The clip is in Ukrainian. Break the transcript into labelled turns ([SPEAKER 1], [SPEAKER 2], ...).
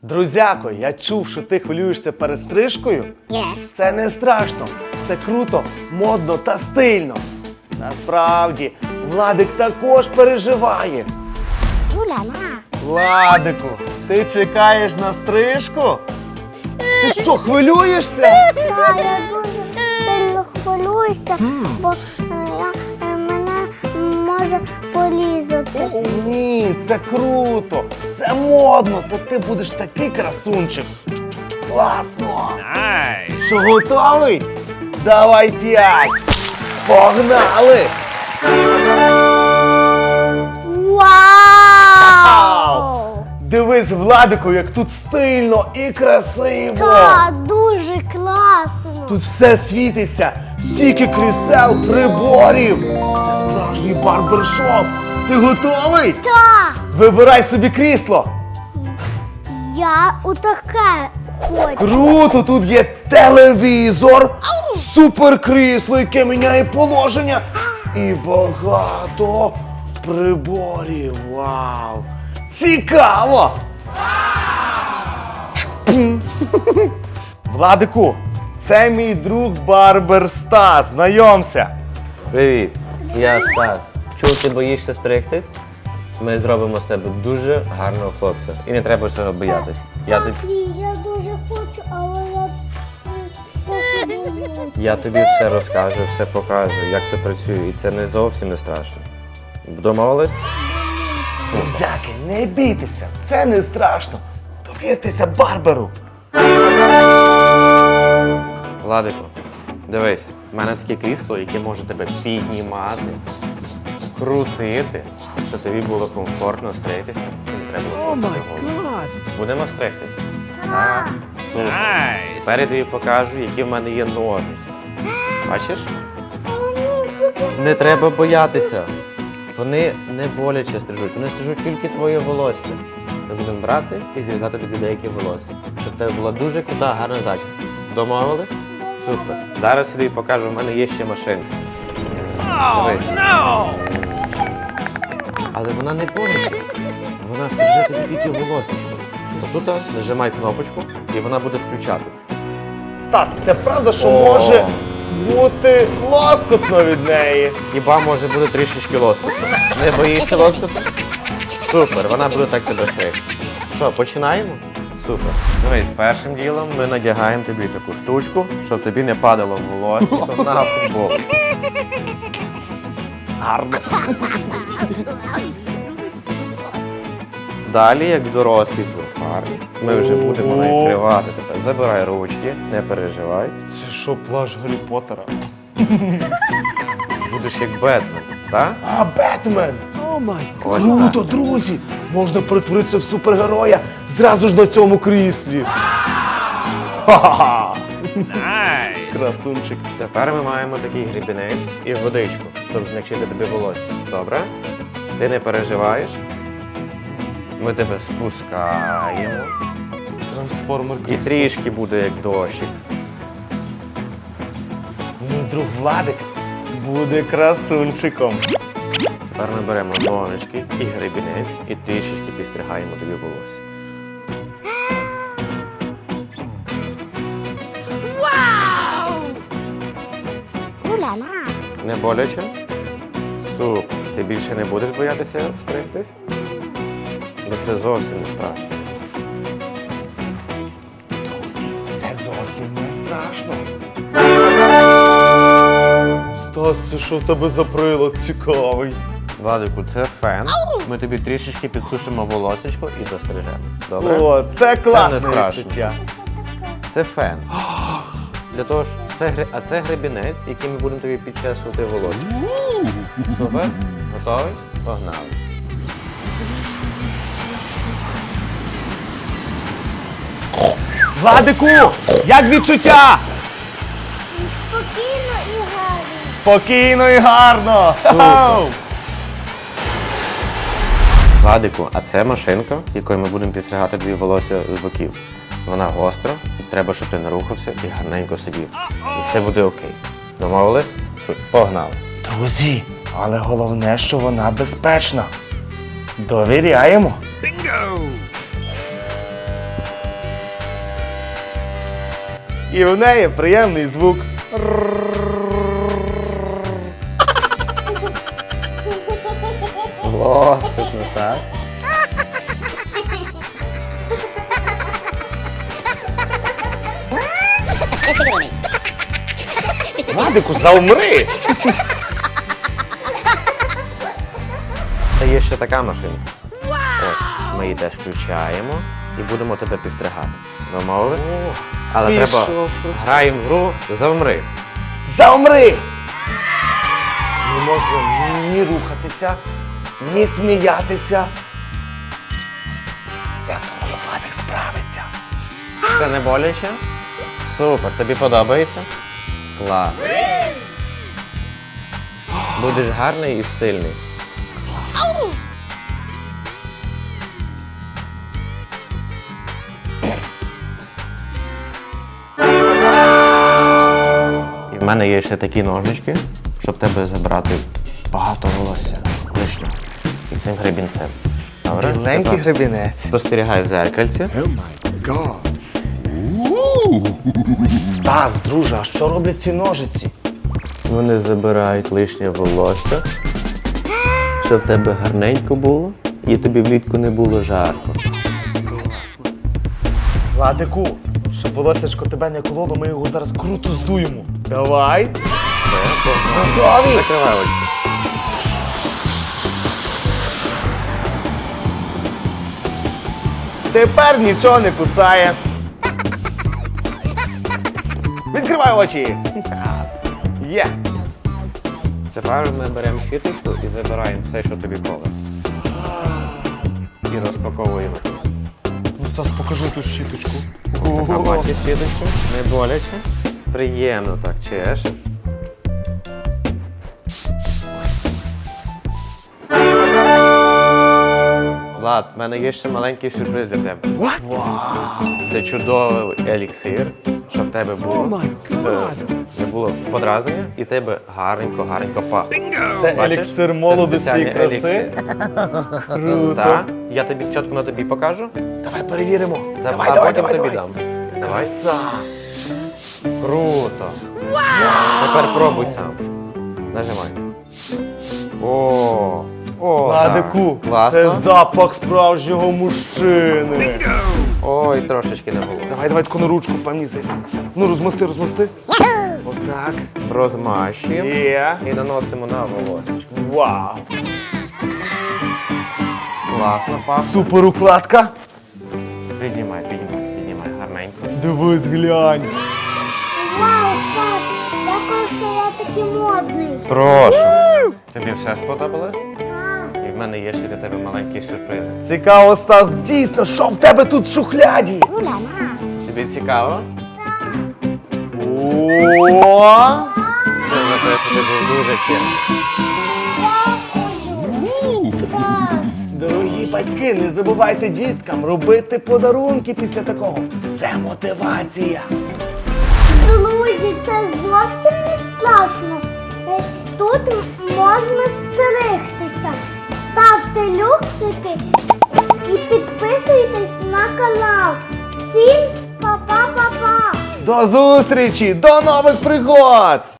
[SPEAKER 1] Друзяко, я чув, що ти хвилюєшся перед стрижкою.
[SPEAKER 2] Yes.
[SPEAKER 1] Це не страшно, це круто, модно та стильно. Насправді, Владик також переживає.
[SPEAKER 2] Уля-ля.
[SPEAKER 1] Владику, ти чекаєш на стрижку? Ти що, хвилюєшся?
[SPEAKER 2] Так, я дуже сильно хвилююся, бо мене може порізати.
[SPEAKER 1] Ні, це круто, це модно, та ти будеш такий красунчик. Класно! Що, готовий? Давай 5! Погнали!
[SPEAKER 2] Вау!
[SPEAKER 1] Дивись, Владику, як тут стильно і красиво!
[SPEAKER 2] Так, дуже класно.
[SPEAKER 1] Тут все світиться, стільки крісел, приборів! Це справжній барбершоп! Ти готовий?
[SPEAKER 2] Так,
[SPEAKER 1] Вибирай собі крісло!
[SPEAKER 2] я отаке хочу.
[SPEAKER 1] Круто! Тут є телевізор, суперкрісло, яке міняє положення, і багато приборів. Вау! Цікаво! Владику, це мій друг барбер Стас. Знайомся.
[SPEAKER 3] Привіт, я Стас. Чув, ти боїшся стригтись? Ми зробимо з тебе дуже гарного хлопця. І не треба цього боятись. Я
[SPEAKER 2] дуже хочу, але я боюся.
[SPEAKER 3] Я тобі все розкажу, все покажу, як це працює. І це не зовсім не страшно. Домовились?
[SPEAKER 1] Друзяки, не бійтеся, це не страшно. Довіртеся барберу.
[SPEAKER 3] Владику, дивись, в мене таке крісло, яке може тебе піднімати, крутити, щоб тобі було комфортно стригтися. І не треба було ходити голову. Будемо стригтися? Так. Супер. Тепер тобі покажу, які в мене є ножниці. Бачиш? Не треба боятися. Вони не боляче стрижуть, вони стрижуть тільки твоє волосся. Ми будемо брати і зрізати тобі деякі волосся. Щоб в тебе була дуже крута, гарна зачіска. Домовились? Супер. Зараз я тобі покажу, в мене є ще машинка. Дивись. Але вона не боляче. Вона стриже тобі тільки волосся. Отут нажимай кнопочку і вона буде включатись.
[SPEAKER 1] Стас, це правда, що може бути лоскотно від неї?
[SPEAKER 3] Хіба може бути трішечки лоскотно? Не боїшся лоскоту? Супер, вона буде так тебе стригти. Що, починаємо? Супер. Дивись, першим ділом ми надягаємо тобі таку штучку, щоб тобі не падало волосся на футболку.
[SPEAKER 1] Гарно.
[SPEAKER 3] Далі, як дорослі парні, ми вже будемо накривати тебе. Забирай ручки, не переживай.
[SPEAKER 1] Це що, плащ Гаррі Поттера?
[SPEAKER 3] Будеш як Бетмен, так?
[SPEAKER 1] А, Бетмен!
[SPEAKER 3] Ось
[SPEAKER 1] Круто,
[SPEAKER 3] так.
[SPEAKER 1] друзі! Можна перетворитися в супергероя зразу ж на цьому кріслі. Ха-ха-ха! Красунчик.
[SPEAKER 3] Тепер ми маємо такий гребінець і водичку, щоб змягчити тобі волосся. Добре? Ти не переживаєш? Ми тебе спускаємо.
[SPEAKER 1] Трансформер
[SPEAKER 3] І трішки буде як дощик.
[SPEAKER 1] Мій друг Владик буде красунчиком.
[SPEAKER 3] Тепер ми беремо ножички і гребінець і трішечки підстригаємо тобі волосся.
[SPEAKER 2] Уля-ля.
[SPEAKER 3] Не боляче? Супер. Ти більше не будеш боятися стригтись? Бо це зовсім не страшно.
[SPEAKER 1] Друзі, це зовсім не страшно. Стас, це що в тебе за прилад цікавий?
[SPEAKER 3] Владику, це фен. Ми тобі трішечки підсушимо волосечко і дострижемо. Добре?
[SPEAKER 1] О, це класне
[SPEAKER 3] Це не страшно.
[SPEAKER 1] відчуття.
[SPEAKER 3] Це фен. Для того ж, а це гребінець, яким ми будемо тобі підчесувати волосся. Супер? Готовий? Погнали.
[SPEAKER 1] Владику, як відчуття?
[SPEAKER 2] Спокійно і гарно.
[SPEAKER 1] Спокійно і гарно.
[SPEAKER 3] Супер. Владику, а це машинка, якою ми будемо підстригати тобі волосся з боків. Вона гостра, і треба, щоб ти не рухався і гарненько сидів. І все буде окей. Домовились? Погнали.
[SPEAKER 1] Друзі, але головне, що вона безпечна. Довіряємо. І в неї приємний звук.
[SPEAKER 3] Лоскутно, так?
[SPEAKER 1] Владику, заумри!
[SPEAKER 3] Та є ще така машинка. Ось, ми її теж включаємо і будемо тебе підстригати. Домовились? Але треба
[SPEAKER 1] пішов процес.
[SPEAKER 3] граємо в гру «Завмри».
[SPEAKER 1] Заумри! Не можна ні рухатися, ні сміятися. Я думаю, Владик справиться.
[SPEAKER 3] Це не боляче? Супер, тобі подобається? Клас. Будеш гарний і стильний. І в мене є ще такі ножнички, щоб в тебе забрати багато волосся лишнього. І цим гребінцем. Добре?
[SPEAKER 1] Біленький
[SPEAKER 3] Тепер
[SPEAKER 1] гребінець.
[SPEAKER 3] спостерігай в зеркальці.
[SPEAKER 4] Oh my god.
[SPEAKER 1] Стас, друже, а що роблять ці ножиці?
[SPEAKER 3] Вони забирають лишнє волосся, щоб в тебе гарненько було і тобі влітку не було жарко.
[SPEAKER 1] Владику, щоб волосячко тебе не кололо, ми його зараз круто здуємо. Давай. Готові?
[SPEAKER 3] Закривай очі.
[SPEAKER 1] Тепер нічого не кусає. Відкривай очі. Є.
[SPEAKER 3] Тепер ми беремо щіточку і забираємо все, що тобі коле. І розпаковуємо.
[SPEAKER 1] Ну, Стас, покажи ту щіточку.
[SPEAKER 3] Така бачиш щіточку? Не боляче. Приємно так чеш. Влад, в мене є ще маленький сюрприз для тебе. Це чудовий еліксир, що в тебе було. Не було подразнення, і тебе гарненько пахло.
[SPEAKER 1] Це
[SPEAKER 3] Бачиш?
[SPEAKER 1] еліксир
[SPEAKER 3] Це
[SPEAKER 1] молодості і
[SPEAKER 3] спеціальний
[SPEAKER 1] краси.
[SPEAKER 3] еліксир.
[SPEAKER 1] Круто.
[SPEAKER 3] Так, я тобі спочатку на тобі покажу,
[SPEAKER 1] Давай перевіримо. Давай,
[SPEAKER 3] а
[SPEAKER 1] давай,
[SPEAKER 3] потім
[SPEAKER 1] давай,
[SPEAKER 3] тобі
[SPEAKER 1] давай.
[SPEAKER 3] дам. Давай.
[SPEAKER 1] Краса.
[SPEAKER 3] Круто. Тепер пробуй сам. Нажимай. О,
[SPEAKER 1] Владику,
[SPEAKER 3] так. Класно.
[SPEAKER 1] це запах справжнього мужчини.
[SPEAKER 3] Ой, трошечки не було.
[SPEAKER 1] Давай, таку на ручку, мені здається. Ну, розмости. Отак.
[SPEAKER 3] Розмащуємо
[SPEAKER 1] Є.
[SPEAKER 3] і наносимо на волосечко.
[SPEAKER 1] Вау.
[SPEAKER 3] Класно, пахне.
[SPEAKER 1] Супер укладка.
[SPEAKER 3] Піднімай гарненько.
[SPEAKER 1] Дивись, глянь.
[SPEAKER 2] Вау, Стас, дякую, що я такий модний.
[SPEAKER 3] Прошу. Тобі все сподобалось?
[SPEAKER 2] Так.
[SPEAKER 3] І в мене є ще для тебе маленький сюрприз.
[SPEAKER 1] Цікаво, Стас, дійсно, що в тебе тут в шухляді?
[SPEAKER 2] Уля-ла.
[SPEAKER 3] Тобі цікаво?
[SPEAKER 1] О!
[SPEAKER 3] Це за те, що ти був дуже чемний.
[SPEAKER 2] Стас.
[SPEAKER 1] Дорогі батьки, не забувайте діткам робити подарунки після такого. Це мотивація.
[SPEAKER 2] Друзі, це зовсім не страшно. Тут можна стерегтися. Ставте люксики і підписуйтесь на канал. Всім па-па-па-па!
[SPEAKER 1] До зустрічі! До нових пригод!